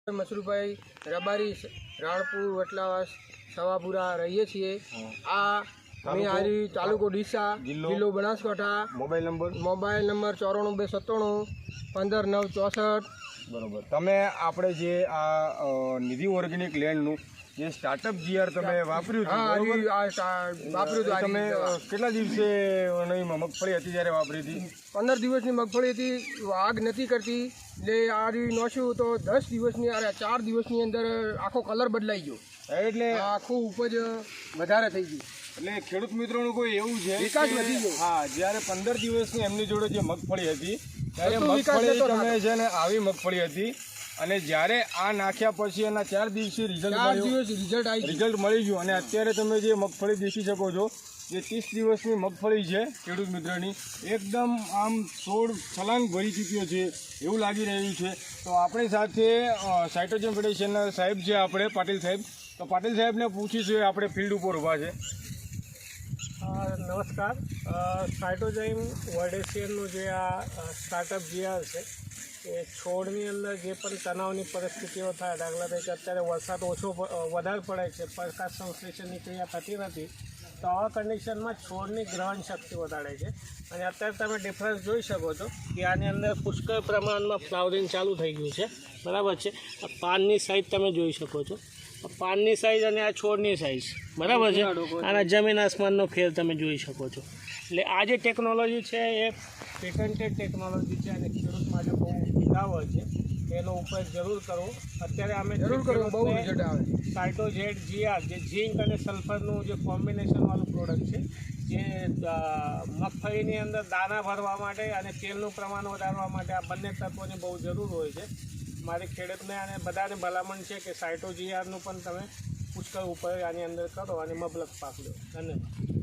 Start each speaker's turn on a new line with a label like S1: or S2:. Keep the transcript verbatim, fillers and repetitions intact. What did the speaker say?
S1: મસરૂભાઈ રબારી રાણપુર વટલાવાસ સવાપુરા રહીએ છીએ। આ અમે હારી તાલુકો ડીસા જિલ્લો Banaskantha.
S2: Mobile number
S1: mobile number ચોરાણું બે સત્તાણું પંદર નવ ચોસઠ।
S2: બરોબર। તમે આપણે જે આ નિધિ ઓર્ગેનિક લેન્ડનું જે સ્ટાર્ટઅપ જીઆર તમે વાપર્યું હતું,
S1: વાપર્યું
S2: તમે કેટલા દિવસે મગફળી હતી જ્યારે વાપરી હતી?
S1: પંદર દિવસની મગફળી હતી, આગ નથી કરતી એટલે આ નોશ્યું તો દસ દિવસની અરે ચાર દિવસની અંદર આખો કલર બદલાઈ ગયો, એટલે આખું ઉપજ વધારે થઈ ગયું।
S2: એટલે ખેડૂત મિત્રોનું કોઈ એવું છે
S1: વિકાસ વધી ગયો।
S2: હા, જ્યારે પંદર દિવસની એમની જોડે જે મગફળી હતી ત્યારે મગફળી તમે છે ને આવી મગફળી હતી, અને જ્યારે આ નાખ્યા પછી એના ચાર દિવસે રિઝલ્ટ
S1: રિઝલ્ટ આવી
S2: રિઝલ્ટ મળી ગયું, અને અત્યારે તમે જે મગફળી દેખી શકો છો જે ત્રીસ દિવસની મગફળી છે ખેડૂત મિત્રોની, એકદમ આમ છોડ છલાંગ ભરી ચૂક્યો છે એવું લાગી રહ્યું છે। તો આપણી સાથે સાયટોજેમ ફેડરેશનના સાહેબ છે આપણે પાટીલ સાહેબ, તો પાટીલ સાહેબને પૂછીશું, આપણે ફિલ્ડ ઉપર ઊભા છે।
S3: નમસ્કાર। સાયટોજેમ વર્ડેશિયનનું જે આ સ્ટાર્ટઅપ જીઆર છે એ છોડની અંદર જે પણ તણાવની પરિસ્થિતિઓ થાય, દાખલા તરીકે અત્યારે વરસાદ ઓછો વધારે પડે છે, પ્રકાશ સંશ્લેષણની ક્રિયા થતી નથી, તો આવા કન્ડિશનમાં છોડની ગ્રહણ શક્તિ વધારે છે। અને અત્યારે તમે ડિફરન્સ જોઈ શકો છો કે આની અંદર પુષ્કળ પ્રમાણમાં ફ્લાવરિંગ ચાલુ થઈ ગયું છે, બરાબર છે। પાનની સાઇઝ તમે જોઈ શકો છો, પાનની સાઇઝ અને આ છોડની સાઇઝ બરાબર છે, અને જમીન આસમાનનો ફેર તમે જોઈ શકો છો। એટલે આ જે ટેકનોલોજી છે એ પેટન્ટેડ ટેકનોલોજી છે અને ખેડૂત માટે બહુ હિતાવહ છે, એનો ઉપયોગ જરૂર કરવો। અત્યારે અમે
S1: જરૂર કરવો, બહુ રિઝલ્ટ આવે।
S3: સાયટોજેડ જીઆર જે ઝીંક અને સલ્ફરનું જે કોમ્બિનેશનવાળું પ્રોડક્ટ છે, જે મગફળીની અંદર દાણા ભરવા માટે અને તેલનું પ્રમાણ વધારવા માટે આ બંને તત્વોની બહુ જરૂર હોય છે। મારી ખેડૂતને અને બધાને ભલામણ છે કે સાયટો જીઆરનું પણ તમે પુષ્કળ ઉપયોગ આની અંદર કરો અને મબલક પાક લો। ધન્યવાદ।